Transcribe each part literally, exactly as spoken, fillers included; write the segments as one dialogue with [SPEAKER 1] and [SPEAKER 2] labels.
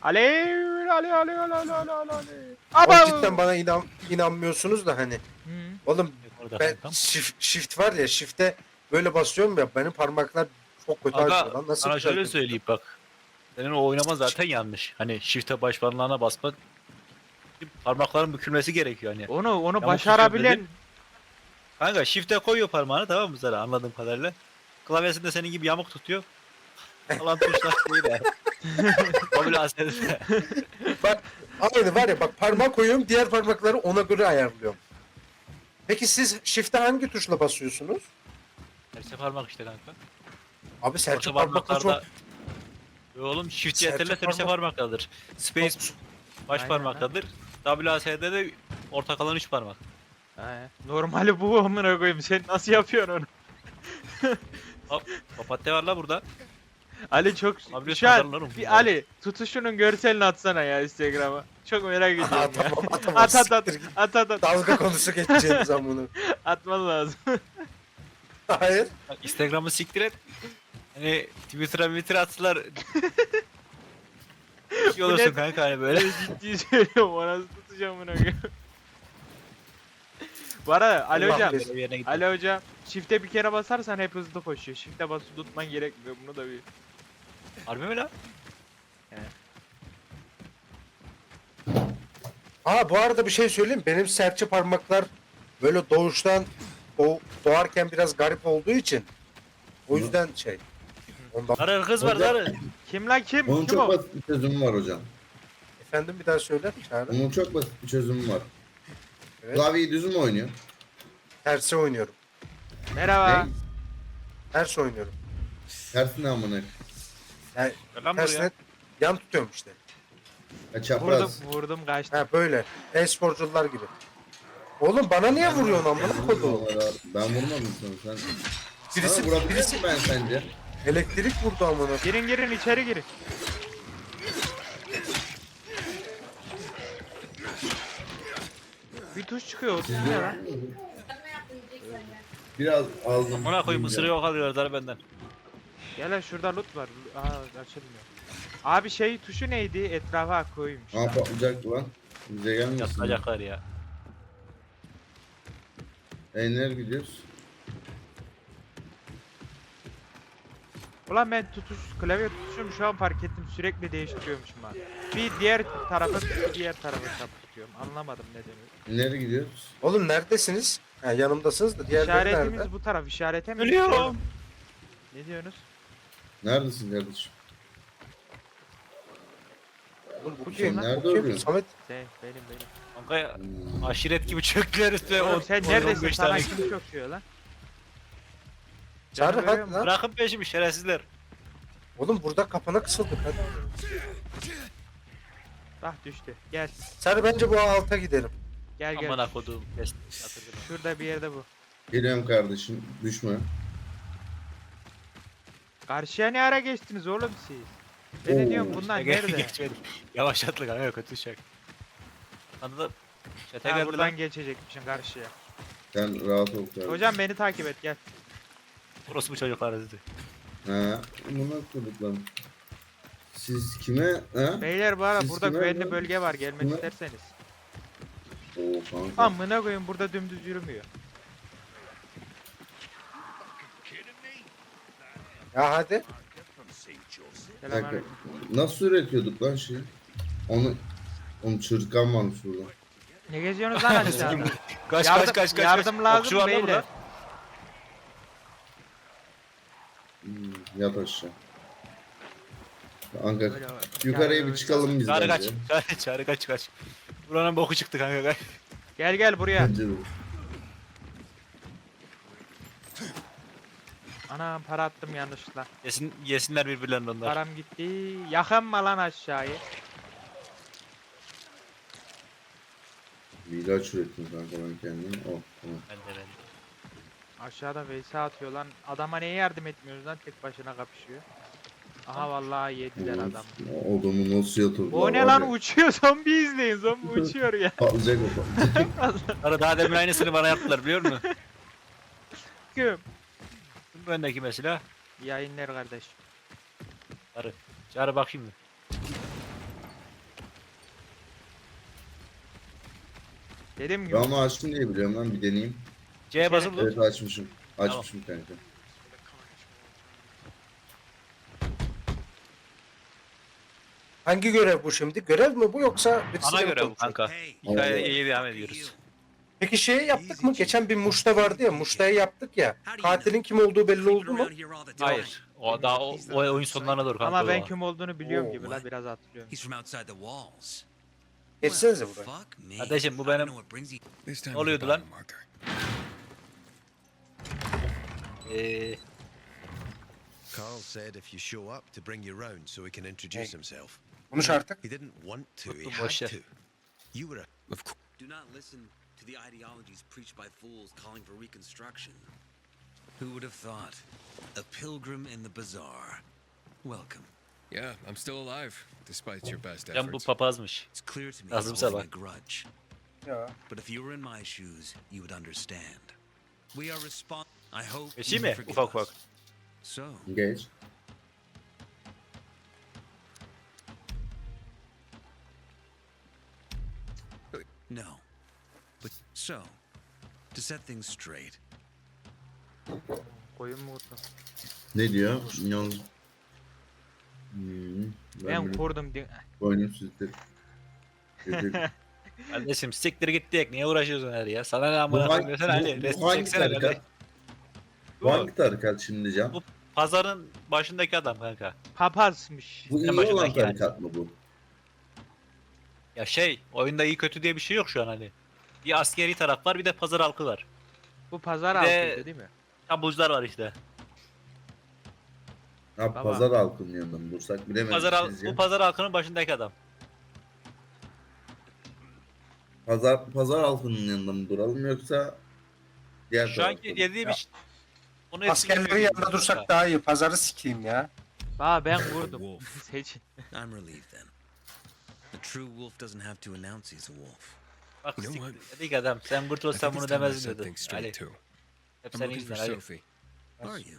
[SPEAKER 1] Alev, alev, alev, alev, alev, alev, alev.
[SPEAKER 2] Oğlum
[SPEAKER 1] Aba!
[SPEAKER 2] cidden bana inan inanmıyorsunuz da hani.
[SPEAKER 1] Hı.
[SPEAKER 2] Oğlum
[SPEAKER 3] Orada
[SPEAKER 2] ben
[SPEAKER 3] kankam.
[SPEAKER 2] shift, shift var ya, shift'e böyle basıyorum ya, benim parmaklar çok kötü acıyor
[SPEAKER 3] Aga
[SPEAKER 2] lan. Nasıl
[SPEAKER 3] sana şöyle
[SPEAKER 2] düzelttim?
[SPEAKER 3] söyleyeyim bak. Senin o oynama zaten yanlış. Hani shift'e baş parmağına basmak parmakların bükülmesi gerekiyor hani.
[SPEAKER 1] Onu onu
[SPEAKER 3] Yamuk
[SPEAKER 1] başarabilen
[SPEAKER 3] tutuyorum Kanka shift'e koyuyor parmağını tamam mı sana anladığım kadarıyla. Klavyesinde senin gibi yamuk tutuyor. Alan tuşlar değil de. O bile aslında.
[SPEAKER 2] Bak aynı var ya, bak parmak koyuyorum, diğer parmakları ona göre ayarlıyorum. Peki siz shift'e hangi tuşla basıyorsunuz?
[SPEAKER 3] Serçe parmak işte kanka.
[SPEAKER 2] Abi serçe
[SPEAKER 3] Orta
[SPEAKER 2] parmakla çok...
[SPEAKER 3] parmaklarda... Yo oğlum shift
[SPEAKER 2] Serçe
[SPEAKER 3] yeterli serçe
[SPEAKER 2] parmak-
[SPEAKER 3] parmaktadır. Space
[SPEAKER 2] çok-
[SPEAKER 3] baş
[SPEAKER 1] Aynen
[SPEAKER 3] parmaktadır. W A S D'de de orta kalan üç parmak.
[SPEAKER 1] He, normali bu amına koyayım. Sen nasıl yapıyorsun onu?
[SPEAKER 3] Papatya var la burada.
[SPEAKER 1] Ali çok
[SPEAKER 3] Abi
[SPEAKER 1] şu an
[SPEAKER 3] sadarlar oğlum
[SPEAKER 1] bir
[SPEAKER 3] bunları.
[SPEAKER 1] Ali tutuşunun görselini atsana ya Instagram'a. Çok merak ediyorum
[SPEAKER 2] Aa,
[SPEAKER 1] ya.
[SPEAKER 2] tamam, atamam,
[SPEAKER 1] At at at
[SPEAKER 2] siktir git.
[SPEAKER 1] at at at.
[SPEAKER 2] Dalga konusu geçeceğiniz zaman bunu.
[SPEAKER 1] Atman lazım.
[SPEAKER 2] Hayır.
[SPEAKER 3] Bak, Instagram'ı siktir et. Hani Twitter'a Twitter attılar. şey
[SPEAKER 1] Bu
[SPEAKER 3] olursun
[SPEAKER 1] ne-
[SPEAKER 3] kanka hani böyle.
[SPEAKER 1] Böyle ciddi söylüyorum. O nasıl tutacağım bunu? Bu arada Ali
[SPEAKER 2] Allah
[SPEAKER 1] hocam.
[SPEAKER 2] bilir.
[SPEAKER 3] Bir yerine gidiyor.
[SPEAKER 1] Ali hocam. Shift'e bir kere basarsan hep hızlı koşuyor. Shift'e basıp tutman gerekmiyor. Bunu da bir.
[SPEAKER 3] Harbi mi la?
[SPEAKER 2] Aa, bu arada bir şey söyleyeyim. Benim serçe parmaklar böyle doğuştan o doğarken biraz garip olduğu için, o yüzden şey. Ondan.
[SPEAKER 3] Zarı kız var
[SPEAKER 4] Hocam-
[SPEAKER 3] zarı.
[SPEAKER 1] Kim lan kim?
[SPEAKER 4] Onun
[SPEAKER 1] kim
[SPEAKER 4] çok
[SPEAKER 1] o?
[SPEAKER 4] basit bir çözümü var hocam.
[SPEAKER 2] Efendim bir daha söyler Çağrı.
[SPEAKER 4] Onun çok basit bir çözümü var.
[SPEAKER 2] Evet.
[SPEAKER 4] Klavyeyi düz mü oynuyor?
[SPEAKER 2] Tersi oynuyorum.
[SPEAKER 1] Merhaba.
[SPEAKER 4] Ne?
[SPEAKER 2] Ters oynuyorum.
[SPEAKER 4] Tersine amına.
[SPEAKER 2] Yani
[SPEAKER 3] Lan
[SPEAKER 2] tersine
[SPEAKER 3] buraya.
[SPEAKER 2] yan tutuyorum işte.
[SPEAKER 4] Ha,
[SPEAKER 1] Vurdum
[SPEAKER 4] çapraz.
[SPEAKER 1] vurdum kaçtı.
[SPEAKER 2] Ha böyle. E-sporcular gibi. Oğlum bana niye vuruyorsun amına koyduğum?
[SPEAKER 4] Ben vurmadım sana. Sen...
[SPEAKER 2] Birisi,
[SPEAKER 4] Sana vurabilir
[SPEAKER 2] birisi
[SPEAKER 4] miyim ben sence?
[SPEAKER 2] elektrik vurdu amına.
[SPEAKER 1] Girin girin içeri girin. Bir tuş çıkıyor. O tuş ne lan?
[SPEAKER 4] Biraz aldım.
[SPEAKER 3] Ona koyayım ısırığı yok alıyor zarı benden.
[SPEAKER 1] Gel lan şurada loot var. Aa açılmıyor. Abi şey tuşu neydi? Etrafa koymuş.
[SPEAKER 4] Ha patlayacaktı lan. Bize gelmesin.
[SPEAKER 3] Yatacaklar ya.
[SPEAKER 4] E nereye gidiyoruz?
[SPEAKER 1] Ulan ben tutuş klavye tutuşumu şu an fark ettim sürekli değiştiriyormuşum ha. Bir diğer tarafa bir diğer tarafa tutuyorum. Anlamadım nedeni.
[SPEAKER 4] Nereye gidiyoruz?
[SPEAKER 2] Oğlum neredesiniz? Ha, yanımdasınız da diğerleri
[SPEAKER 1] İşaretimiz
[SPEAKER 2] nerede?
[SPEAKER 1] bu taraf işarete mi?
[SPEAKER 3] Ölüyorum.
[SPEAKER 1] Ne diyorsunuz?
[SPEAKER 4] Neredesin kardeşim?
[SPEAKER 2] Oğlum bu
[SPEAKER 1] Bu
[SPEAKER 2] kim?
[SPEAKER 1] kim
[SPEAKER 4] lan?
[SPEAKER 2] Bu kim?
[SPEAKER 4] Nerede
[SPEAKER 2] Samet.
[SPEAKER 1] Şey benim benim.
[SPEAKER 3] Kanka ya,
[SPEAKER 4] Hmm.
[SPEAKER 3] aşiret gibi çöktüler üstüne.
[SPEAKER 1] Oğlum
[SPEAKER 3] on-
[SPEAKER 1] sen
[SPEAKER 3] on-
[SPEAKER 1] neredesin?
[SPEAKER 3] on beş
[SPEAKER 1] Sana
[SPEAKER 3] tane.
[SPEAKER 1] kim çöküyor lan?
[SPEAKER 2] Çağrı
[SPEAKER 1] Canı görüyor
[SPEAKER 2] hadi
[SPEAKER 1] musun?
[SPEAKER 2] lan.
[SPEAKER 3] Bırakın peşimi şerefsizler.
[SPEAKER 2] Oğlum burada kapana kısıldık hadi.
[SPEAKER 1] Bak düştü. Gel.
[SPEAKER 2] Çağrı bence bu alta gidelim.
[SPEAKER 1] Gel gel.
[SPEAKER 3] Amına koduğum. Kes. Yatırdım.
[SPEAKER 1] Şurada bir yerde bu.
[SPEAKER 4] Geliyorum kardeşim. Düşme.
[SPEAKER 1] Karşıya ne ara geçtiniz oğlum siz? Ben de
[SPEAKER 4] Oo.
[SPEAKER 1] diyorum bunlar
[SPEAKER 3] Gel-
[SPEAKER 1] nerede?
[SPEAKER 3] Geçmedik. Yavaşlattık kanka kötü şey. Anladın. Çete
[SPEAKER 1] Ha,
[SPEAKER 3] geldi
[SPEAKER 1] buradan
[SPEAKER 3] lan.
[SPEAKER 1] geçecekmişsin karşıya.
[SPEAKER 4] Sen rahat ol kardeşim.
[SPEAKER 1] Hocam beni takip et gel.
[SPEAKER 3] Orası bu çocuklar dedi.
[SPEAKER 4] Ha, bunu kurduk lan. Siz kime? Ha?
[SPEAKER 1] Beyler bu ara
[SPEAKER 4] Siz
[SPEAKER 1] burada
[SPEAKER 4] kime
[SPEAKER 1] güvenli
[SPEAKER 4] lan?
[SPEAKER 1] bölge var gelmek
[SPEAKER 4] Kime?
[SPEAKER 1] isterseniz.
[SPEAKER 4] Oo kanka.
[SPEAKER 1] Amına koyun burada dümdüz yürümüyor.
[SPEAKER 2] Ya hadi.
[SPEAKER 4] Bir dakika.
[SPEAKER 1] Selamünaleyküm.
[SPEAKER 4] Nasıl üretiyorduk lan şeyi? Onu Onun çırtkan varmış burada.
[SPEAKER 1] Ne geziyorsunuz lan aşağıda?
[SPEAKER 3] Kaç
[SPEAKER 1] Yardım-
[SPEAKER 3] kaç kaç kaç.
[SPEAKER 1] yardım
[SPEAKER 3] kaç.
[SPEAKER 1] lazım
[SPEAKER 3] Okçu var lan
[SPEAKER 1] beyler.
[SPEAKER 3] burada.
[SPEAKER 4] Hmm, yat aşağı. Kanka
[SPEAKER 1] Böyle-
[SPEAKER 4] yukarıya
[SPEAKER 1] Yani
[SPEAKER 4] bir çıkalım biz
[SPEAKER 3] Çağrı kaç.
[SPEAKER 4] bence.
[SPEAKER 3] Çağrı, çağrı kaç kaç. Buranın boku çıktı kanka kaç.
[SPEAKER 1] Gel gel buraya.
[SPEAKER 4] Bence de.
[SPEAKER 1] Anam para attım yanlışlıkla.
[SPEAKER 3] Yesin, yesinler birbirlerini onlar.
[SPEAKER 1] Param gitti. Yakın mı lan aşağıyı?
[SPEAKER 4] Bir ilaç ürettim kanka ben kendime. Oh tamam.
[SPEAKER 3] Ben de ben de.
[SPEAKER 1] Aşağıda Veysi atıyor lan. Adama niye yardım etmiyoruz lan tek başına kapışıyor. Aha vallahi yediler
[SPEAKER 4] Oğlum,
[SPEAKER 1] adam.
[SPEAKER 4] o adamı nasıl yatırdılar?
[SPEAKER 1] O ne
[SPEAKER 4] var
[SPEAKER 1] lan
[SPEAKER 4] ya.
[SPEAKER 1] uçuyor zombi izleyin zombi uçuyor ya.
[SPEAKER 4] Patlayacak o patlayacak.
[SPEAKER 3] Çağrı daha demin aynısını bana yaptılar biliyor musun?
[SPEAKER 1] Kim?
[SPEAKER 3] Bu bendeki mesela.
[SPEAKER 1] Yayınlar kardeş.
[SPEAKER 3] Çağrı. Çağrı bak şimdi.
[SPEAKER 1] Dedim
[SPEAKER 4] Ben
[SPEAKER 1] yok.
[SPEAKER 4] onu açtım diye biliyorum lan, bir deneyeyim.
[SPEAKER 3] C'ye basılı
[SPEAKER 4] Evet
[SPEAKER 3] tut.
[SPEAKER 4] açmışım. Açmışım kanka.
[SPEAKER 2] Hangi görev bu şimdi? Görev mi bu yoksa birisi
[SPEAKER 3] Ana
[SPEAKER 2] mi
[SPEAKER 3] göre bu
[SPEAKER 2] konuşuyor?
[SPEAKER 3] kanka. Hikayeye iyi devam ediyoruz.
[SPEAKER 2] Peki şeyi yaptık mı? Geçen bir Muş'ta vardı ya. Muş'ta'yı yaptık ya. Katilin kim olduğu belli oldu mu?
[SPEAKER 3] Hayır. O daha o, o oyun sonlarına doğru kanka.
[SPEAKER 1] Ama ben
[SPEAKER 3] o.
[SPEAKER 1] kim olduğunu biliyorum
[SPEAKER 2] Oo.
[SPEAKER 1] gibi la biraz hatırlıyorum.
[SPEAKER 5] He's from outside the walls.
[SPEAKER 2] Geçsenize buraya.
[SPEAKER 5] Fuck me.
[SPEAKER 3] Kardeşim, bu
[SPEAKER 5] I don't
[SPEAKER 3] benim-
[SPEAKER 5] know what brings you-
[SPEAKER 6] This time
[SPEAKER 3] Ne oluyordu lan?
[SPEAKER 6] Marker.
[SPEAKER 3] Ee,
[SPEAKER 7] Carl said if you show up to bring you round so he can introduce
[SPEAKER 2] Hey.
[SPEAKER 7] himself.
[SPEAKER 2] Konuş artık.
[SPEAKER 7] He didn't want to, he
[SPEAKER 3] Boş
[SPEAKER 7] had
[SPEAKER 3] ver.
[SPEAKER 7] to. You were a
[SPEAKER 6] Of course.
[SPEAKER 5] Do not listen to the ideologies preached by fools calling for reconstruction. Who would have thought? A pilgrim in the bazaar. Welcome.
[SPEAKER 6] Yeah, I'm still alive, despite your best
[SPEAKER 3] can bu
[SPEAKER 6] efforts.
[SPEAKER 3] papazmış.
[SPEAKER 5] It's clear to me
[SPEAKER 3] Lazım
[SPEAKER 5] he's holding a
[SPEAKER 3] sabah.
[SPEAKER 5] grudge.
[SPEAKER 2] Ya.
[SPEAKER 5] But if you were in my shoes, you would understand. We are respon- I hope
[SPEAKER 3] Geçeyim
[SPEAKER 5] you
[SPEAKER 3] mi?
[SPEAKER 5] forgive
[SPEAKER 3] Ufak
[SPEAKER 5] us.
[SPEAKER 3] ufak.
[SPEAKER 5] So,
[SPEAKER 4] Geç.
[SPEAKER 5] no. But so, to set things straight,
[SPEAKER 1] Koyun mu vurdum?
[SPEAKER 4] Ne diyor? Yalnız... Hmm, ben,
[SPEAKER 1] Ben
[SPEAKER 4] ben
[SPEAKER 1] kurdum diye.
[SPEAKER 4] boynum süzdü.
[SPEAKER 3] Kardeşim siktir git diyek. Niye uğraşıyorsun her ya? Sana ne
[SPEAKER 4] Bu
[SPEAKER 3] amına
[SPEAKER 4] hangi,
[SPEAKER 3] koyuyorsun Ali?
[SPEAKER 4] bu,
[SPEAKER 3] Resim
[SPEAKER 4] bu hangi
[SPEAKER 3] çeksene
[SPEAKER 4] tarikat?
[SPEAKER 3] kardeş.
[SPEAKER 4] Bu hangi tarikat şimdi Can?
[SPEAKER 3] Bu pazarın başındaki adam kanka.
[SPEAKER 1] Papazmış.
[SPEAKER 4] Bu
[SPEAKER 3] en
[SPEAKER 4] iyi olan
[SPEAKER 3] başındaki yani.
[SPEAKER 4] tarikat mı bu?
[SPEAKER 3] Ya şey, oyunda iyi kötü diye bir şey yok şu an hani. Bir askeri taraf var, bir de pazar halkı var.
[SPEAKER 1] Bu pazar
[SPEAKER 3] Bir de-
[SPEAKER 1] altıydı değil mi?
[SPEAKER 3] Tabuzlar var işte.
[SPEAKER 4] Ha,
[SPEAKER 1] Baba.
[SPEAKER 4] pazar halkının yanında mı dursak bilemedim
[SPEAKER 3] Pazar hal-
[SPEAKER 4] sizce.
[SPEAKER 3] bu pazar halkının başındaki adam.
[SPEAKER 4] Pazar, pazar halkının yanında mı duralım yoksa diğer
[SPEAKER 3] Şu
[SPEAKER 4] tarafta
[SPEAKER 3] anki
[SPEAKER 4] mı?
[SPEAKER 3] dediğim
[SPEAKER 2] Ya.
[SPEAKER 3] iş. Onu
[SPEAKER 2] Askerlerin yanında dursak daha iyi. Pazarı sikeyim ya.
[SPEAKER 1] Aa ben vurdum.
[SPEAKER 5] Wolf.
[SPEAKER 1] Seçin.
[SPEAKER 5] I'm relieved then. A true wolf doesn't have to announce he's a wolf.
[SPEAKER 3] Bak
[SPEAKER 6] You know
[SPEAKER 3] siktir. Dedik adam, sen
[SPEAKER 6] I
[SPEAKER 3] kurtulsan
[SPEAKER 6] think
[SPEAKER 3] bunu
[SPEAKER 6] it's time I
[SPEAKER 3] demezdin
[SPEAKER 6] set
[SPEAKER 3] dedi.
[SPEAKER 6] things
[SPEAKER 3] Ali,
[SPEAKER 6] straight too.
[SPEAKER 3] hep
[SPEAKER 6] I'm
[SPEAKER 3] senin
[SPEAKER 6] looking for
[SPEAKER 3] yüzünden Ali.
[SPEAKER 6] Sophie.
[SPEAKER 5] Are you?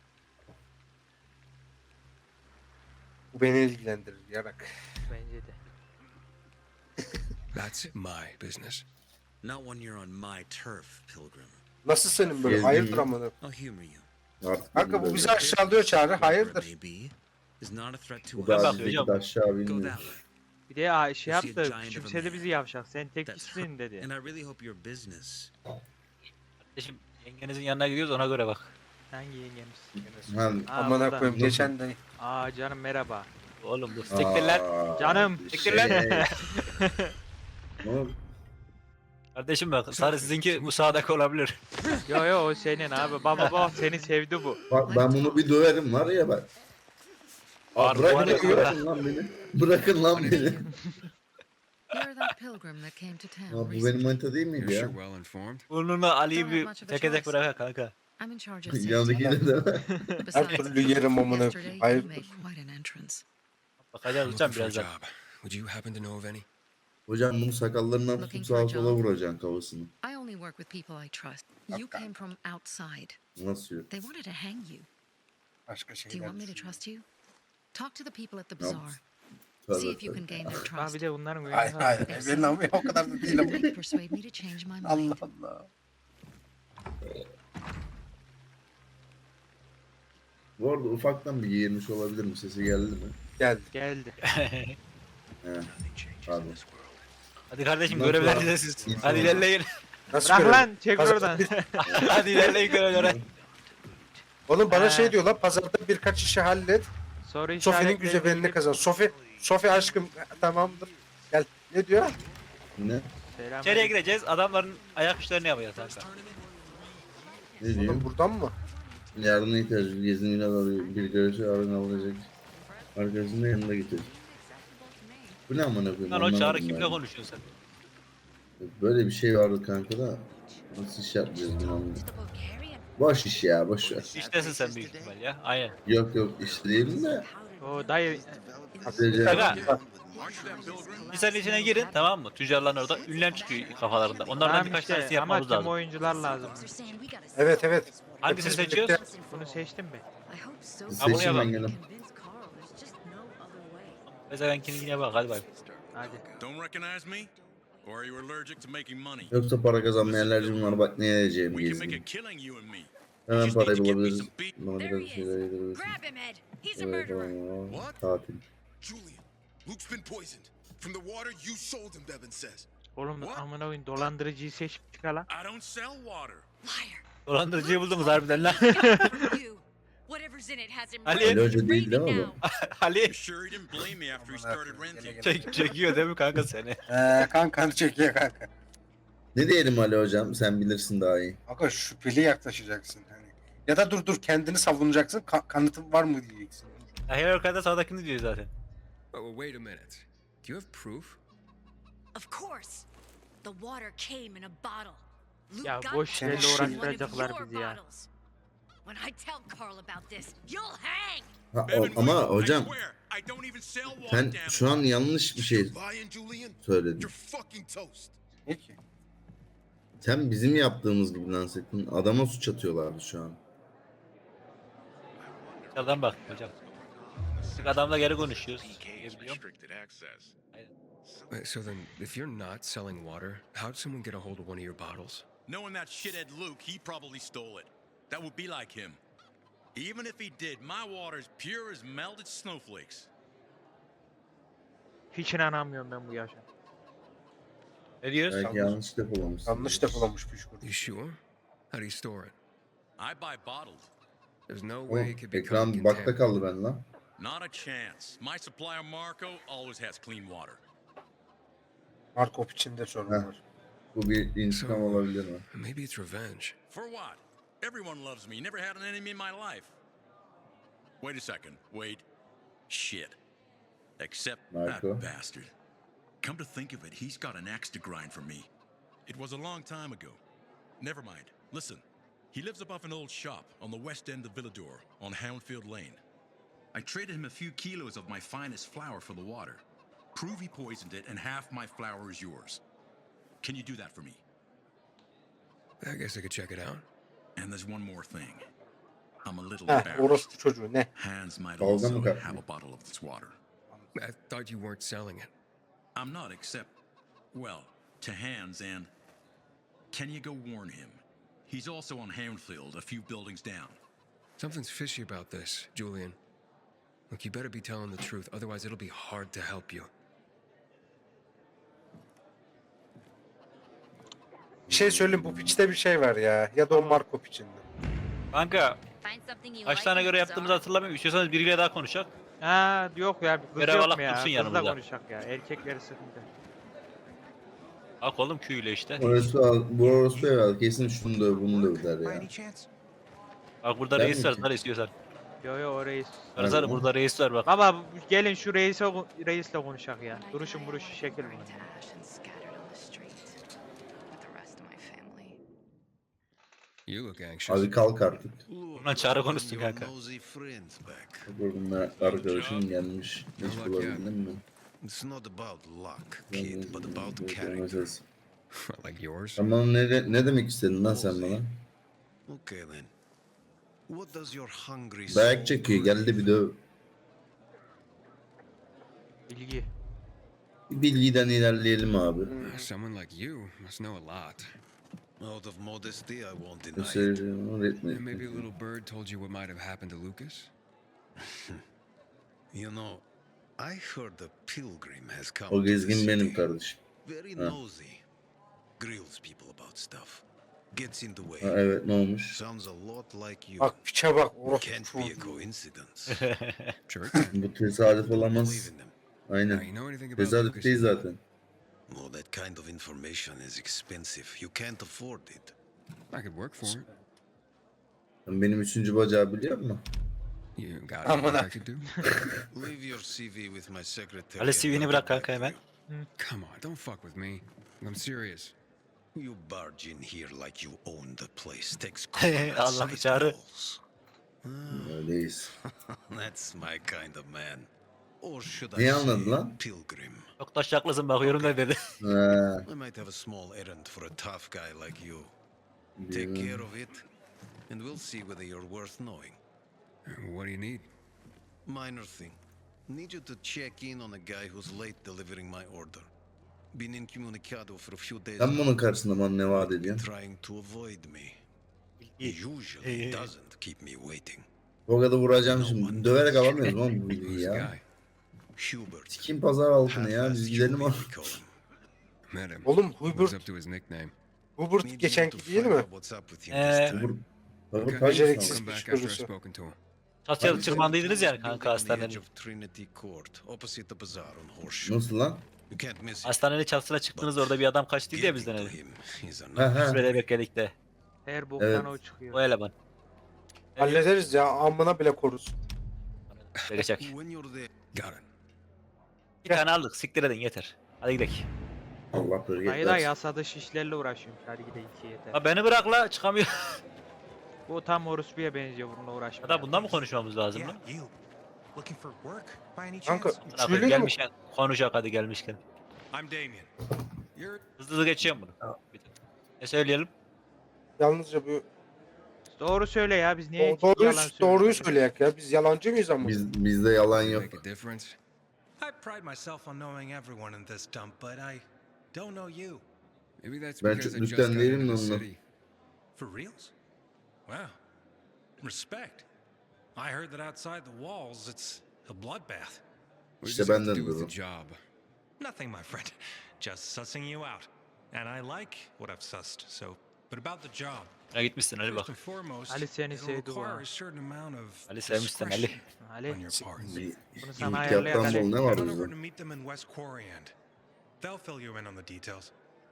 [SPEAKER 2] Bu beni ilgilendirir yarak.
[SPEAKER 1] Bence de.
[SPEAKER 6] That's my business.
[SPEAKER 5] Not when you're on my turf, pilgrim.
[SPEAKER 2] Nasıl senin böyle?
[SPEAKER 4] Gezdim
[SPEAKER 2] Hayırdır
[SPEAKER 4] mi?
[SPEAKER 2] amına?
[SPEAKER 5] I'll humor you.
[SPEAKER 4] Artık
[SPEAKER 2] Kanka bu
[SPEAKER 4] böyle-
[SPEAKER 2] bizi aşağılıyor Çağrı.
[SPEAKER 5] Whoever it
[SPEAKER 2] Hayırdır?
[SPEAKER 5] may be, is not a threat to
[SPEAKER 4] Bu
[SPEAKER 5] us.
[SPEAKER 4] da
[SPEAKER 3] bakıyor
[SPEAKER 4] bizdeki
[SPEAKER 3] hocam.
[SPEAKER 4] de aşağı
[SPEAKER 5] Go
[SPEAKER 4] bilmiyor.
[SPEAKER 5] that way.
[SPEAKER 1] Bir de ya şey
[SPEAKER 5] You see a
[SPEAKER 1] yaptı.
[SPEAKER 5] giant of a
[SPEAKER 1] Küçümsedi
[SPEAKER 5] man.
[SPEAKER 1] bizi yavşak. Sen tek
[SPEAKER 5] That's-
[SPEAKER 1] kişisin dedi.
[SPEAKER 5] And I really hope your business.
[SPEAKER 3] Kardeşim, yengenizin yanına gidiyoruz, ona göre bak.
[SPEAKER 1] Hangi yengemiz?
[SPEAKER 4] Ha,
[SPEAKER 1] Aa,
[SPEAKER 2] Amına
[SPEAKER 1] burada.
[SPEAKER 2] koyayım. Geçen de
[SPEAKER 1] Aa canım merhaba.
[SPEAKER 3] Oğlum bu siktir lan.
[SPEAKER 4] aa,
[SPEAKER 1] Canım,
[SPEAKER 4] bir
[SPEAKER 3] siktir lan.
[SPEAKER 4] şey. Oğlum,
[SPEAKER 3] Kardeşim bak, sarı sizinki bu sağdaki olabilir.
[SPEAKER 1] Yo yo o senin abi. Baba baba seni sevdi bu.
[SPEAKER 4] Bak ben bunu bir döverim var ya ben.
[SPEAKER 3] Var,
[SPEAKER 4] Aa, bırakın,
[SPEAKER 3] var ya.
[SPEAKER 4] bırakın lan beni. Bırakın lan beni.
[SPEAKER 8] You're that pilgrim that came to town
[SPEAKER 4] Aa, bu benim
[SPEAKER 8] recently.
[SPEAKER 4] manita değil
[SPEAKER 6] You're
[SPEAKER 4] miydi ya?
[SPEAKER 6] sure well informed.
[SPEAKER 3] Burnuna Ali'yi
[SPEAKER 8] Don't have
[SPEAKER 3] bir
[SPEAKER 8] much of a
[SPEAKER 3] teke tek
[SPEAKER 8] choice.
[SPEAKER 3] bırak kanka.
[SPEAKER 8] I'm in charge of safety.
[SPEAKER 4] Yanındaki de de.
[SPEAKER 2] her
[SPEAKER 8] Besides,
[SPEAKER 2] türlü yerim amına.
[SPEAKER 8] yesterday you
[SPEAKER 2] Hayırdır?
[SPEAKER 8] made quite an entrance.
[SPEAKER 3] Bakacağız
[SPEAKER 6] I'm
[SPEAKER 3] hocam
[SPEAKER 6] looking for a
[SPEAKER 3] birazdan.
[SPEAKER 6] job. Would you happen to know of any?
[SPEAKER 4] Hocam bunu sakallarından tutup
[SPEAKER 8] Looking for a
[SPEAKER 4] sağa sola
[SPEAKER 8] job?
[SPEAKER 4] vuracaksın kafasını.
[SPEAKER 8] I only work with people I trust. You came from outside.
[SPEAKER 4] Nasıl yok?
[SPEAKER 8] They wanted to hang you.
[SPEAKER 2] Başka
[SPEAKER 8] Do you
[SPEAKER 2] şeyler.
[SPEAKER 8] want me to trust you? Talk to the people at the
[SPEAKER 4] Yok.
[SPEAKER 8] bazaar.
[SPEAKER 4] Tövbe
[SPEAKER 8] See if you
[SPEAKER 4] tövbe.
[SPEAKER 8] can gain their
[SPEAKER 1] Aa
[SPEAKER 8] trust.
[SPEAKER 1] bir de bunların oyunu
[SPEAKER 2] Hayır
[SPEAKER 1] var.
[SPEAKER 2] hayır. Benim ama o kadar da değil ama.
[SPEAKER 8] They persuade me to change my mind.
[SPEAKER 2] Allah Allah.
[SPEAKER 4] Bu arada ufaktan bir giyirmiş olabilir mi? Sesi geldi mi?
[SPEAKER 2] Geldi.
[SPEAKER 1] Geldi.
[SPEAKER 4] He. Pardon.
[SPEAKER 3] Hadi kardeşim,
[SPEAKER 4] Nasıl
[SPEAKER 3] görevler
[SPEAKER 4] ya?
[SPEAKER 3] size siz.
[SPEAKER 4] İnsan
[SPEAKER 3] Hadi
[SPEAKER 4] var.
[SPEAKER 3] ilerleyin.
[SPEAKER 2] Nasıl
[SPEAKER 1] Bırak
[SPEAKER 2] görev?
[SPEAKER 1] lan çek
[SPEAKER 2] Pazar-
[SPEAKER 1] oradan.
[SPEAKER 3] Hadi ilerleyin görevlere.
[SPEAKER 2] Oğlum bana
[SPEAKER 1] Ha.
[SPEAKER 2] şey diyor lan pazarda birkaç işi hallet.
[SPEAKER 1] Soru
[SPEAKER 2] Sofi'nin
[SPEAKER 1] işaretleri
[SPEAKER 2] güzelliğini
[SPEAKER 1] bilip-
[SPEAKER 2] kazan. Sofi, Sofi aşkım tamamdır. Gel. Ne diyor?
[SPEAKER 4] Ne?
[SPEAKER 1] Selam.
[SPEAKER 3] İçeriye gireceğiz, adamların ayak işlerini yapacağız kanka.
[SPEAKER 4] Ne diyor?
[SPEAKER 2] Oğlum buradan mı?
[SPEAKER 4] Yardıma ihtiyacı var. Gezin arıyor. Bir görüşü arın alacak. Arkadaşını da yanında getir. Bu ne amına koyayım?
[SPEAKER 3] Lan o
[SPEAKER 4] anlamadım
[SPEAKER 3] çağrı
[SPEAKER 4] ben.
[SPEAKER 3] kimle konuşuyorsun sen?
[SPEAKER 4] Böyle bir şey vardı kanka da. Nasıl iş yapacağız bunu anlamadım. Boş iş ya, boş ver.
[SPEAKER 3] İştesin sen büyük ihtimal ya. Aynen.
[SPEAKER 4] Yok yok iş değilim de.
[SPEAKER 1] O dayı
[SPEAKER 4] Sadece
[SPEAKER 3] Aga, lisenin içine girin, tamam mı? Tüccarların orada ünlem çıkıyor kafalarında. Onlardan
[SPEAKER 1] tamam
[SPEAKER 3] birkaç
[SPEAKER 1] işte,
[SPEAKER 3] tanesini
[SPEAKER 1] ama
[SPEAKER 3] yapmamız
[SPEAKER 1] tüm
[SPEAKER 3] lazım.
[SPEAKER 1] oyuncular lazım.
[SPEAKER 2] Evet evet.
[SPEAKER 3] Hangisini
[SPEAKER 2] Hepimiz
[SPEAKER 3] seçiyoruz?
[SPEAKER 2] birlikte-
[SPEAKER 1] Bunu seçtim mi?
[SPEAKER 8] I hope so.
[SPEAKER 3] Ha, bunu
[SPEAKER 4] seçim
[SPEAKER 3] yapalım.
[SPEAKER 4] engelim.
[SPEAKER 3] Mesela ben kendine bak, hadi bay.
[SPEAKER 1] Hadi.
[SPEAKER 7] Don't recognize me? Or are you allergic to making money?
[SPEAKER 4] Yoksa para kazanmaya alerjim var, bak ne yiyeceğim
[SPEAKER 7] We can make a
[SPEAKER 4] gezeyim.
[SPEAKER 7] killing, you and me.
[SPEAKER 4] Hemen parayı
[SPEAKER 7] Just need to get me
[SPEAKER 4] bulabiliriz.
[SPEAKER 7] some beat.
[SPEAKER 4] Bana
[SPEAKER 8] There
[SPEAKER 4] biraz
[SPEAKER 8] he
[SPEAKER 4] bir
[SPEAKER 8] is.
[SPEAKER 4] şeyler yedirebilirsin.
[SPEAKER 8] Grab him, Ed. He's a
[SPEAKER 4] Evet
[SPEAKER 8] murderer.
[SPEAKER 4] tamam.
[SPEAKER 7] What?
[SPEAKER 4] Tatil.
[SPEAKER 9] Julian, Luke's been poisoned. From the water you sold him, Devin says.
[SPEAKER 1] Oğlum
[SPEAKER 7] What?
[SPEAKER 1] amına koyayım dolandırıcıyı seç çıkar lan.
[SPEAKER 7] I don't sell water.
[SPEAKER 8] Liar.
[SPEAKER 3] Dolandırıcıyı buldunuz harbiden lan.
[SPEAKER 8] You. Whatever's in it has him
[SPEAKER 3] Ali.
[SPEAKER 8] raving
[SPEAKER 4] Ali Hoca değil değil mi
[SPEAKER 8] raving
[SPEAKER 4] bu?
[SPEAKER 8] now.
[SPEAKER 3] Ali
[SPEAKER 7] You sure he didn't blame me after he started renting?
[SPEAKER 3] çek, çekiyor değil mi kanka seni?
[SPEAKER 2] Ee, kankanı çekiyor kanka.
[SPEAKER 4] Ne diyelim Ali hocam, sen bilirsin daha iyi.
[SPEAKER 2] Kanka şüpheli yaklaşacaksın hani. Ya da dur dur kendini savunacaksın. Ka- kanıtın var mı diyeceksin.
[SPEAKER 3] Her yukarıda sağdakini diyor zaten.
[SPEAKER 6] Oh, wait a minute. Do you have proof?
[SPEAKER 8] Of course. The water came in a bottle. Luke
[SPEAKER 1] Ya
[SPEAKER 8] got
[SPEAKER 1] boş
[SPEAKER 8] it
[SPEAKER 2] şeyle
[SPEAKER 8] from one of
[SPEAKER 1] uğraştıracaklar
[SPEAKER 8] your
[SPEAKER 1] bizi ya.
[SPEAKER 8] bottles. When I tell Carl about this, you'll hang.
[SPEAKER 4] Ha, o-
[SPEAKER 7] Bevan,
[SPEAKER 4] ama
[SPEAKER 7] wait, I
[SPEAKER 4] hocam
[SPEAKER 7] swear, I don't even sell water,
[SPEAKER 4] sen
[SPEAKER 7] damn
[SPEAKER 4] şu an yanlış bir şey
[SPEAKER 9] Lying, Julian?
[SPEAKER 4] söyledin.
[SPEAKER 9] You're fucking toast.
[SPEAKER 2] Ne ki?
[SPEAKER 4] Sen bizim yaptığımız gibi lanse ettin. Adama suç atıyorlardı şu an.
[SPEAKER 3] Dışarıdan bak hocam. Sık adamla geri konuşuyoruz. Diyebiliyorum.
[SPEAKER 6] Wait, so then, if you're not selling water, how'd someone get a hold of one of your bottles?
[SPEAKER 7] Knowing that shithead Luke, he probably stole it. That would be like him. Even if he did, my water's pure as melted snowflakes.
[SPEAKER 1] Hiç inanamıyorum ben bu yaşa.
[SPEAKER 3] Ne diyoruz?
[SPEAKER 4] Belki yanlış depolamışsın.
[SPEAKER 2] Yanlış depolamış püşkur.
[SPEAKER 6] You sure? How do you store it?
[SPEAKER 7] I buy bottled.
[SPEAKER 6] There's no
[SPEAKER 4] Oh,
[SPEAKER 6] way it could be
[SPEAKER 4] ekran
[SPEAKER 6] coming
[SPEAKER 4] bakta
[SPEAKER 6] contaminated.
[SPEAKER 4] kaldı ben lan.
[SPEAKER 7] Not a chance. My supplier Marco always has clean water.
[SPEAKER 2] Markov içinde sorun
[SPEAKER 4] Heh.
[SPEAKER 2] var.
[SPEAKER 4] Bu bir intikam olabilir mi?
[SPEAKER 6] Maybe it's revenge.
[SPEAKER 7] For what? Everyone loves me. Never had an enemy in my life. Wait a second. Wait. Shit. Except
[SPEAKER 4] Marco.
[SPEAKER 7] that bastard. Come to think of it, he's got an axe to grind for me. It was a long time ago. Never mind. Listen. He lives above an old shop on the west end of Villador on Houndfield Lane. I traded him a few kilos of my finest flour for the water. Prove he poisoned it and half my flour is yours. Can you do that for me?
[SPEAKER 6] I guess I could check it out.
[SPEAKER 7] And there's one more thing. I'm a little
[SPEAKER 2] Heh
[SPEAKER 7] embarrassed.
[SPEAKER 2] orospu çocuğu ne?
[SPEAKER 7] Hans might
[SPEAKER 4] Dalga
[SPEAKER 7] also
[SPEAKER 4] mı
[SPEAKER 7] have
[SPEAKER 4] kaptın?
[SPEAKER 7] a bottle of this water.
[SPEAKER 6] I thought you weren't selling it.
[SPEAKER 7] I'm not, except, well, to Hans and... Can you go warn him? He's also on Houndfield, a few buildings down.
[SPEAKER 6] Something's fishy about this, Julian. Look, you better be telling the truth, otherwise it'll be hard to help you.
[SPEAKER 2] Bir şey söyleyeyim bu piçte bir şey var ya. Ya da o Markov içinde.
[SPEAKER 3] Kanka
[SPEAKER 8] Find something you
[SPEAKER 3] kaç
[SPEAKER 8] like
[SPEAKER 3] tane
[SPEAKER 8] in
[SPEAKER 3] göre
[SPEAKER 8] the
[SPEAKER 3] yaptığımızı
[SPEAKER 8] bazaar.
[SPEAKER 3] hatırlamıyorum. İstiyorsanız biriyle daha konuşak.
[SPEAKER 1] Ha yok ya kız
[SPEAKER 3] Görev
[SPEAKER 1] yok
[SPEAKER 3] alak
[SPEAKER 1] mu ya?
[SPEAKER 3] dursun
[SPEAKER 1] Kızla
[SPEAKER 3] yanımızda.
[SPEAKER 1] konuşak ya. Erkekleri sıkıntı.
[SPEAKER 3] Bak oğlum Q'yle işte.
[SPEAKER 4] Orası al, bu orası evvel kesin şunu da bunu da der ya.
[SPEAKER 3] Bak burada
[SPEAKER 4] Ben
[SPEAKER 3] reis
[SPEAKER 4] mi
[SPEAKER 3] var.
[SPEAKER 4] ki?
[SPEAKER 3] Sarı istiyorsan.
[SPEAKER 1] Yo yo o reis.
[SPEAKER 3] Sarı sarı
[SPEAKER 4] Nerede?
[SPEAKER 3] burada reis var bak.
[SPEAKER 1] Baba bu- gelin şu reise reisle konuşak ya.
[SPEAKER 8] When I
[SPEAKER 1] Duruşun
[SPEAKER 8] die,
[SPEAKER 1] buruşu
[SPEAKER 8] I'll
[SPEAKER 1] şekil
[SPEAKER 8] burn
[SPEAKER 1] mi?
[SPEAKER 8] to ash and scattered on the street with the rest of my family.
[SPEAKER 6] You look anxious.
[SPEAKER 4] Hadi kalk artık.
[SPEAKER 3] Bundan çağrı konuşsun
[SPEAKER 7] Your
[SPEAKER 3] kanka.
[SPEAKER 7] nosy friends back.
[SPEAKER 4] Bununla arkadaşın gelmiş. Hiç
[SPEAKER 6] Bak ya.
[SPEAKER 4] bulabildin mi?
[SPEAKER 7] It's not about luck, kid, but about character.
[SPEAKER 4] Mesaj.
[SPEAKER 6] Like yours?
[SPEAKER 4] Sen bana ne, de- ne demek istedin lan sen bana?
[SPEAKER 7] Okay then. What does your hungry
[SPEAKER 4] Dayak
[SPEAKER 7] soul
[SPEAKER 4] çekiyor,
[SPEAKER 7] crave?
[SPEAKER 4] geldi bir döv.
[SPEAKER 1] Bilgi.
[SPEAKER 4] Bir bilgiden ilerleyelim abi.
[SPEAKER 6] Someone like you must know a lot.
[SPEAKER 7] Out of modesty, I won't deny it.
[SPEAKER 4] Göstereceğim,
[SPEAKER 6] And maybe a
[SPEAKER 4] öğretmenim.
[SPEAKER 6] little bird told you what might have happened to Lucas?
[SPEAKER 7] You know, I heard a pilgrim has come
[SPEAKER 4] O
[SPEAKER 7] to the
[SPEAKER 4] gezgin benim
[SPEAKER 7] city.
[SPEAKER 4] kardeşim.
[SPEAKER 7] Very
[SPEAKER 4] Ha.
[SPEAKER 7] nosy. Grills people about stuff. Gets in the way.
[SPEAKER 4] Ha, evet ne olmuş?
[SPEAKER 7] Sounds a lot like you.
[SPEAKER 2] Bak piçe bak orospu
[SPEAKER 7] Can't be a
[SPEAKER 2] çocuğu.
[SPEAKER 7] coincidence.
[SPEAKER 6] Sure.
[SPEAKER 4] Bu tesadüf
[SPEAKER 7] Believe
[SPEAKER 4] olamaz.
[SPEAKER 7] in them.
[SPEAKER 6] Now,
[SPEAKER 4] Aynen.
[SPEAKER 6] you know anything about
[SPEAKER 4] Tesadüf
[SPEAKER 6] Lucas?
[SPEAKER 4] değil zaten.
[SPEAKER 7] Oh, that kind of information is expensive. You can't afford it.
[SPEAKER 6] I could work for it.
[SPEAKER 4] Sen benim üçüncü bacağı biliyor musun?
[SPEAKER 6] You got
[SPEAKER 2] I'm
[SPEAKER 6] what
[SPEAKER 2] gonna-
[SPEAKER 6] I could do?
[SPEAKER 7] Leave your C V with my secretary.
[SPEAKER 3] Ali
[SPEAKER 7] and
[SPEAKER 3] C V'ni
[SPEAKER 7] I'll
[SPEAKER 3] bırak
[SPEAKER 7] get back
[SPEAKER 3] kanka
[SPEAKER 7] to
[SPEAKER 3] hemen.
[SPEAKER 7] you.
[SPEAKER 6] Come on, don't fuck with me. I'm serious.
[SPEAKER 7] You barge in here like you own the place. Takes
[SPEAKER 3] Allah
[SPEAKER 7] size
[SPEAKER 3] çağrı.
[SPEAKER 7] balls.
[SPEAKER 4] Öyleyiz.
[SPEAKER 7] That's my kind of man. Or should I
[SPEAKER 4] Neyi
[SPEAKER 7] say
[SPEAKER 4] anladın lan?
[SPEAKER 7] pilgrim?
[SPEAKER 3] Çok taşaklısın bakıyorum ne dedi.
[SPEAKER 4] Ha,
[SPEAKER 7] I might have a small errand for a tough guy like you. Take care of it, and we'll see whether you're worth knowing.
[SPEAKER 6] What do you need?
[SPEAKER 7] Minor thing. Need you to check in on a guy who's late delivering my order.
[SPEAKER 5] Been incommunicado for a few days.
[SPEAKER 4] Sen bunun karşısında bana ne vaat ediyorsun?
[SPEAKER 5] Trying to avoid me. He usually doesn't keep me waiting.
[SPEAKER 4] O kadar vuracağım şimdi. Döverek alamıyoruz oğlum bu bilgiyi
[SPEAKER 6] Who's the
[SPEAKER 4] ya.
[SPEAKER 6] guy?
[SPEAKER 5] Hubert.
[SPEAKER 4] Kim pazar altını ya, biz
[SPEAKER 5] Half-assed
[SPEAKER 4] gidelim
[SPEAKER 5] Julian
[SPEAKER 4] abi.
[SPEAKER 5] we call him.
[SPEAKER 6] Met him.
[SPEAKER 2] Oğlum
[SPEAKER 6] Lives
[SPEAKER 2] Hubert,
[SPEAKER 6] up to his nickname.
[SPEAKER 2] Hubert
[SPEAKER 5] Maybe
[SPEAKER 2] geçenki
[SPEAKER 5] need to
[SPEAKER 2] değil
[SPEAKER 5] find
[SPEAKER 2] mi?
[SPEAKER 5] out what's up with you
[SPEAKER 3] Ee,
[SPEAKER 5] this time.
[SPEAKER 4] Vur. Vur
[SPEAKER 6] Okay,
[SPEAKER 2] Beceriksiz
[SPEAKER 6] I'll come
[SPEAKER 2] bir
[SPEAKER 6] back after I've
[SPEAKER 2] kurusu.
[SPEAKER 6] spoken to him.
[SPEAKER 3] Çatıya tırmandıydınız yani kanka
[SPEAKER 5] Building on the
[SPEAKER 3] hastanenin.
[SPEAKER 5] edge of Trinity Court, opposite the bazaar on Horseshoe.
[SPEAKER 4] Nasıl lan?
[SPEAKER 5] You can't miss it.
[SPEAKER 3] Hastanenin çatısına çıktınız, orada bir adam kaçtı ya bizden
[SPEAKER 5] Getting to
[SPEAKER 3] öyle.
[SPEAKER 5] him is
[SPEAKER 4] Ha
[SPEAKER 5] another.
[SPEAKER 4] ha.
[SPEAKER 3] Sürede bekledik de.
[SPEAKER 1] Her boktan
[SPEAKER 4] Evet.
[SPEAKER 1] o çıkıyor.
[SPEAKER 3] O eleman.
[SPEAKER 2] Hallederiz ya, amına bile koruruz.
[SPEAKER 3] Gelecek.
[SPEAKER 5] When you're there,
[SPEAKER 6] Got it.
[SPEAKER 3] Bir tane aldık, siktir edin yeter. Hadi gidelim.
[SPEAKER 4] Allah böyle
[SPEAKER 1] Dayı da
[SPEAKER 4] yetmez.
[SPEAKER 1] yasada şişlerle uğraşıyormuş. Hadi gidelim iki yeter.
[SPEAKER 3] Ha beni bırak la, çıkamıyor.
[SPEAKER 1] Bu tam orospuya benziyor, bununla uğraşmıyor.
[SPEAKER 3] Hatta bundan mı konuşmamız lazım lan?
[SPEAKER 9] Yeah, you. Looking for work by any
[SPEAKER 2] Kanka
[SPEAKER 9] chance?
[SPEAKER 3] Bırak,
[SPEAKER 2] üçlüyle mi?
[SPEAKER 3] gelmişken konuşak hadi gelmişken.
[SPEAKER 9] I'm Damien. You're
[SPEAKER 3] Hızlı hızlı geçiyorum bunu. Bir tık. Ne söyleyelim?
[SPEAKER 2] Yalnızca bu
[SPEAKER 1] Doğru söyle ya, biz niye
[SPEAKER 2] Do- doğruyu,
[SPEAKER 1] yalan söylüyoruz?
[SPEAKER 2] doğruyu söyleyek ya. Biz yalancı mıyız ama?
[SPEAKER 4] Biz, bizde yalan yok.
[SPEAKER 6] Make a difference.
[SPEAKER 9] I pride myself on knowing everyone in this dump, but I don't know you.
[SPEAKER 6] Maybe that's
[SPEAKER 4] Ben
[SPEAKER 6] because I
[SPEAKER 4] çok
[SPEAKER 6] just got
[SPEAKER 4] lütfen değilim
[SPEAKER 6] into
[SPEAKER 4] de
[SPEAKER 6] the
[SPEAKER 4] ondan.
[SPEAKER 6] city.
[SPEAKER 9] For reals? Wow. Respect. I heard that outside the walls it's a bloodbath.
[SPEAKER 6] What
[SPEAKER 4] İşte
[SPEAKER 6] does it have to
[SPEAKER 4] benden
[SPEAKER 6] do with
[SPEAKER 4] durum.
[SPEAKER 6] the job?
[SPEAKER 9] Nothing, my friend. Just sussing you out. And I like what I've sussed, so. But about the job.
[SPEAKER 3] Ya gitmişsin Ali bak.
[SPEAKER 9] First and foremost,
[SPEAKER 1] Ali seni
[SPEAKER 9] it'll
[SPEAKER 1] sevdi bu
[SPEAKER 9] require
[SPEAKER 1] ha.
[SPEAKER 9] a certain amount of
[SPEAKER 3] Ali sevmişsin Ali.
[SPEAKER 9] discretion
[SPEAKER 1] Ali,
[SPEAKER 9] on your part.
[SPEAKER 2] Bir-
[SPEAKER 1] bunu sana
[SPEAKER 4] İlk
[SPEAKER 1] ayarlayak
[SPEAKER 4] yaptan bol
[SPEAKER 1] Ali.
[SPEAKER 4] ne var
[SPEAKER 9] Head on
[SPEAKER 4] bizde?
[SPEAKER 9] over to meet them in West Quarry End. They'll fill you in on the details.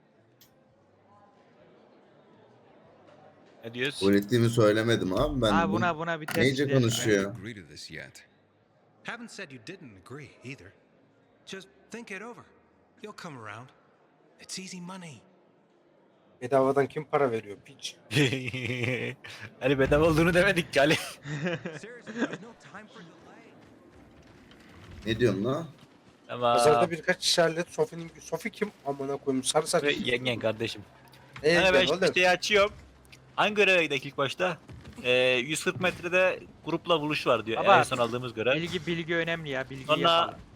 [SPEAKER 3] Ne diyoruz?
[SPEAKER 4] Öğrettiğimi söylemedim abi ben.
[SPEAKER 1] Ha
[SPEAKER 4] bunu-
[SPEAKER 1] buna buna bir test
[SPEAKER 4] Neyce
[SPEAKER 1] edelim.
[SPEAKER 4] konuşuyor?
[SPEAKER 6] Agree to this yet?
[SPEAKER 9] Haven't said you didn't agree either. Just think it over. You'll come around. It's easy money.
[SPEAKER 2] Bedavadan kim para veriyor piç?
[SPEAKER 3] Ali bedava olduğunu demedik ki Ali.
[SPEAKER 9] Seriously, there's no time for delay.
[SPEAKER 4] Ne diyorsun lan?
[SPEAKER 3] Ama
[SPEAKER 2] Pazarda birkaç kişi hallet. Sofi'nin Sofi kim? Amına koyayım sarı saç.
[SPEAKER 3] Ve yengen kardeşim.
[SPEAKER 2] Ne
[SPEAKER 3] Yani ben
[SPEAKER 2] yengen
[SPEAKER 3] şimdi
[SPEAKER 2] oğlum?
[SPEAKER 3] şeyi açıyorum. Hangi göreve gidelim ilk başta? Ee, yüz kırk metrede grupla buluş var diyor.
[SPEAKER 1] Baba,
[SPEAKER 3] En son aldığımız görev.
[SPEAKER 1] Bilgi bilgi önemli ya, bilgi
[SPEAKER 3] Sonra
[SPEAKER 1] yapalım.